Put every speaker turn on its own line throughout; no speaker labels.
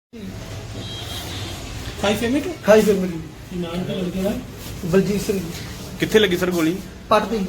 ਖਾਈ ਫੈਮਿਲੀ
ਕੀ
ਨਾਮ ਕੀ ਲੜਕੇ ਦਾ?
ਬਲਜੀਤ ਸਿੰਘ
ਕਿੱਥੇ ਲੱਗੀ ਸਰ ਗੋਲੀ?
ਪੱਟ ਦੀ।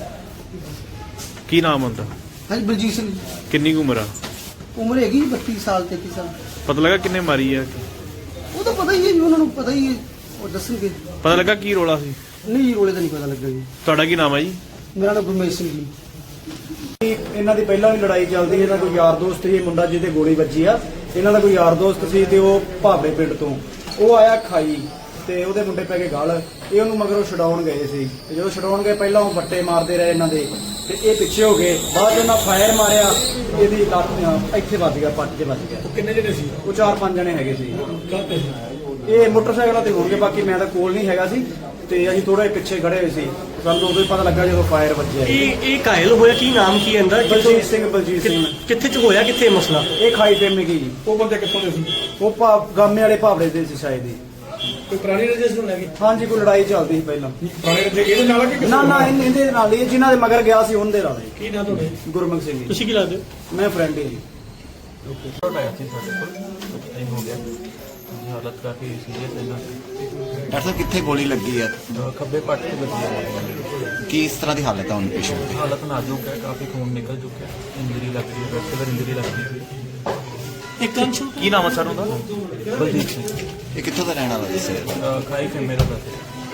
ਕੀ ਨਾਮ ਹੁੰਦਾ?
ਹਾਂਜੀ ਬਲਜੀਤ ਸਿੰਘ।
ਕਿੰਨੀ ਕੁ ਉਮਰ ਆ?
ਉਮਰ ਹੈਗੀ 32 ਸਾਲ 33 ਸਾਲ।
ਪਤਾ ਲੱਗਾ ਕਿੰਨੇ ਮਾਰੀ ਆ?
ਉਹ ਤਾਂ ਪਤਾ ਹੀ ਹੈ ਜੀ, ਉਹਨਾਂ ਨੂੰ ਪਤਾ ਹੀ ਹੈ, ਉਹ ਦੱਸਣਗੇ।
ਪਤਾ ਲੱਗਾ ਕੀ ਰੋਲਾ ਸੀ?
ਨਹੀਂ ਰੋਲੇ ਦਾ ਨਹੀਂ ਪਤਾ ਲੱਗਾ ਜੀ।
ਤੁਹਾਡਾ ਕੀ ਨਾਮ ਹੈ ਜੀ?
ਮੇਰਾ ਨਾਮ ਗੁਰਮੇਸ਼ ਸਿੰਘ ਜੀ।
ਇਹਨਾਂ ਦੀ ਪਹਿਲਾਂ ਵੀ ਲੜਾਈ ਚੱਲਦੀ, ਇਹਨਾਂ ਕੋਈ ਯਾਰ ਦੋਸਤ ਸੀ, ਮੁੰਡਾ ਜਿਹਦੇ ਗੋਲੀ ਵੱਜੀ ਆ, ਇਹਨਾਂ ਦਾ ਕੋਈ ਯਾਰ ਦੋਸਤ ਸੀ ਤੇ ਉਹ ਭਾਬੇ ਪਿੰਡ ਤੋਂ ਉਹ ਆਇਆ ਖਾਈ ਤੇ ਉਹਦੇ ਮੁੰਡੇ ਪੈ ਕੇ ਗਲ, ਇਹ ਉਹਨੂੰ ਮਗਰੋਂ ਛਡਾਉਣ ਗਏ ਸੀ ਤੇ ਜਦੋਂ ਛਡਾਉਣ ਗਏ ਪਹਿਲਾਂ ਉਹ ਵੱਟੇ ਮਾਰਦੇ ਰਹੇ ਇਹਨਾਂ ਦੇ ਤੇ ਇਹ ਪਿੱਛੇ ਹੋ ਗਏ, ਬਾਅਦ 'ਚ ਉਹਨਾਂ ਫਾਇਰ ਮਾਰਿਆ, ਇਹਦੀ ਲੱਤ ਇੱਥੇ ਵੱਜ ਗਿਆ, ਪੱਟ 'ਚ ਵੱਜ ਗਿਆ।
ਕਿੰਨੇ ਜਣੇ ਸੀ?
ਉਹ 4-5 ਜਣੇ ਹੈਗੇ ਸੀ।
ਕਾਹਤੇ?
ਇਹ ਮੋਟਰਸਾਈਕਲਾਂ ਤੇ ਹੋਣਗੇ, ਬਾਕੀ ਮੈਂ ਤਾਂ ਕੋਲ ਨਹੀਂ ਹੈਗਾ ਸੀ ਤੇ ਅਸੀਂ ਥੋੜਾ ਪਿੱਛੇ ਖੜੇ ਹੋਏ ਸੀ, ਸਾਨੂੰ ਉਦੋਂ ਹੀ ਪਤਾ ਲੱਗਾ ਜਦੋਂ ਫਾਇਰ ਵੱਜਿਆ।
ਇਹ ਘਾਇਲ ਹੋਇਆ, ਕੀ ਨਾਮ ਕੀ ਇਹਦਾ?
ਬਲਜੀਤ ਸਿੰਘ।
ਕਿੱਥੇ ਚ ਹੋਇਆ, ਕਿੱਥੇ ਮਸਲਾ?
ਇਹ ਖਾਈ ਫੇਮੇ ਕੀ ਜੀ,
ਉਹ ਬੰਦੇ ਕਿੱਥੋਂ ਦੇ ਸੀ?
ਉਹ ਗਾਮੇ ਵਾਲੇ ਭਾਵੜੇ ਦੇ ਸੀ ਸ਼ਾਇਦ ਹੀ।
ਕੋਈ ਪੁਰਾਣੀ ਰਜਿਸਟਰ ਨੂੰ ਲੈ ਕੇ?
ਹਾਂਜੀ, ਕੋਈ ਲੜਾਈ ਚੱਲਦੀ ਸੀ ਪਹਿਲਾਂ।
ਪੁਰਾਣੇ ਰਜਿਸਟਰ ਇਹਦੇ ਨਾਲ ਆ ਕਿ ਕਿਸੇ
ਨਾ
ਹੋਰ
ਨਾ
ਨਾਲ?
ਇਹਦੇ ਨਾਲ ਹੀ, ਜਿਨ੍ਹਾਂ ਦੇ ਮਗਰ ਗਿਆ ਸੀ ਉਹਦੇ ਨਾਲ ਹੀ।
ਕੀ ਨਾਮ ਤੁਹਾਡੇ?
ਗੁਰਮੁਖ ਸਿੰਘ ਜੀ।
ਤੁਸੀਂ ਕੀ ਲੱਗਦੇ?
ਮੈਂ ਫਰੈਂਡ ਹੀ ਜੀ।
ਆਇਆ ਸੀ ਸਾਡੇ ਕੋਲ ਟਾਈਮ ਹੋ ਗਿਆ ਜੀ, ਹਾਲਤ ਕਾਫੀ ਸੀਰੀਅਸ ਹੈ ਨਾ।
ਡਾਕਟਰ ਸਾਹਿਬ ਕਿੱਥੇ ਗੋਲੀ ਲੱਗੀ ਹੈ?
ਖੱਬੇ ਪੱਟ ਤੇ ਲੱਗੀ ਹੈ।
ਕਿਸ ਤਰ੍ਹਾਂ ਦੀ ਹਾਲਤ ਹੈ ਹੁਣ ਪੇਸ਼ੈਂਟ ਦੀ?
ਹਾਲਤ ਨਾਜ਼ੁਕ ਹੈ, ਕਾਫੀ ਖੂਨ ਨਿਕਲ ਚੁੱਕਿਆ, ਇੰਜਰੀ ਲੱਗ ਰਹੀ ਹੈ, ਵੈਸਕੂਲਰ ਇੰਜਰੀ ਲੱਗ ਰਹੀ ਹੈ।
ਇੱਕ ਅੰਸ਼
ਕੀ ਨਾਮ ਆ ਸਰ ਉਹਦਾ?
ਬਲਜੀਤ ਸਿੰਘ
ਇਹ ਕਿੱਥੋਂ ਦਾ ਰਹਿਣ ਵਾਲਾ ਦੱਸਿਆ?
ਖਾਈ ਫੇ ਮੇਰਾ ਦੱਸ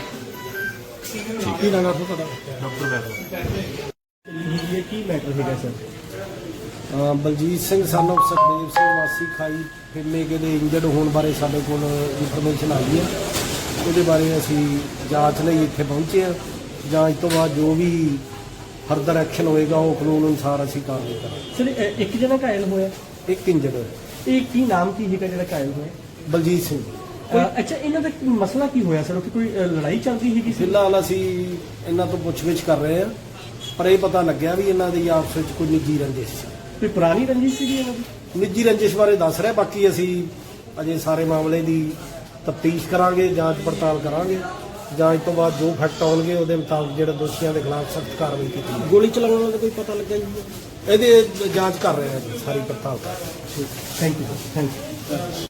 ਕੀ ਨਾਮ ਆ ਤੁਹਾਡਾ?
ਡਾਕਟਰ ਵੈਭਵ।
ਇਹ ਕੀ ਮੈਟਰ ਹੈਗਾ ਸਰ? ਬਲਜੀਤ ਸਿੰਘ ਸਾਨੂੰ ਸੁਖਦੇਵ ਸਿੰਘ ਵਾਸੀ ਖਾਈ ਫੇਮੇ ਦੇ ਇੰਜਰਡ ਹੋਣ ਬਾਰੇ ਸਾਡੇ ਕੋਲ ਇਨਫੋਰਮੇਸ਼ਨ ਆਈ ਹੈ। ਉਹਦੇ ਬਾਰੇ ਅਸੀਂ ਜਾਂਚ ਲਈ ਇੱਥੇ ਪਹੁੰਚੇ ਹਾਂ। ਜਾਂਚ ਤੋਂ ਬਾਅਦ ਜੋ ਵੀ ਫਰਦਰ ਐਕਸ਼ਨ ਹੋਏਗਾ ਉਹ ਕਾਨੂੰਨ ਅਨੁਸਾਰ ਅਸੀਂ ਕਾਰਵਾਈ ਕਰਾਂਗੇ।
ਸਰ ਇੱਕ ਜਣਾ ਘਾਇਲ ਹੋਇਆ,
ਇੱਕ ਇੰਜਰਡ ਹੋਇਆ।
ਇਹ ਕੀ ਨਾਮ ਕੀ ਹੈਗਾ ਜਿਹੜਾ ਘਾਇਲ ਹੋਇਆ?
ਬਲਜੀਤ ਸਿੰਘ।
ਅੱਛਾ, ਇਹਨਾਂ ਦਾ ਮਸਲਾ ਕੀ ਹੋਇਆ ਸਰ? ਕੋਈ ਲੜਾਈ ਚੱਲਦੀ ਹੈਗੀ ਸੀ?
ਫਿਲਹਾਲ ਅਸੀਂ ਇਹਨਾਂ ਤੋਂ ਪੁੱਛਗਿੱਛ ਕਰ ਰਹੇ ਹਾਂ, ਪਰ ਇਹ ਪਤਾ ਲੱਗਿਆ ਵੀ ਇਹਨਾਂ ਦੀ ਆਪਸ ਵਿੱਚ ਕੋਈ ਨਿੱਜੀ ਰੰਜਿਸ਼ ਸੀ।
ਕੋਈ ਪੁਰਾਣੀ ਰੰਜਿਸ਼ ਸੀਗੀ ਇਹਨਾਂ ਦੀ?
ਨਿੱਜੀ ਰੰਜਿਸ਼ ਬਾਰੇ ਦੱਸ ਰਿਹਾ, ਬਾਕੀ ਅਸੀਂ ਅਜੇ ਸਾਰੇ ਮਾਮਲੇ ਦੀ ਤਫਤੀਸ਼ ਕਰਾਂਗੇ, ਜਾਂਚ ਪੜਤਾਲ ਕਰਾਂਗੇ। ਜਾਂਚ ਤੋਂ ਬਾਅਦ ਜੋ ਫੈਕਟ ਆਉਣਗੇ ਉਹਦੇ ਮੁਤਾਬਕ ਜਿਹੜੇ ਦੋਸ਼ੀਆਂ ਦੇ ਖਿਲਾਫ ਸਖਤ ਕਾਰਵਾਈ ਕੀਤੀ ਜਾਵੇਗੀ। ਗੋਲੀ ਚਲਾਉਣ ਵਾਲਾ ਦਾ ਕੋਈ ਪਤਾ ਲੱਗਾ ਜੀ? ਇਹਦੇ ਜਾਂਚ ਕਰ ਰਹੇ ਹਾਂ ਜੀ, ਸਾਰੀ ਪੜਤਾਲ ਕਰ ਰਹੇ ਹਾਂ।
Thank you sir, thank you.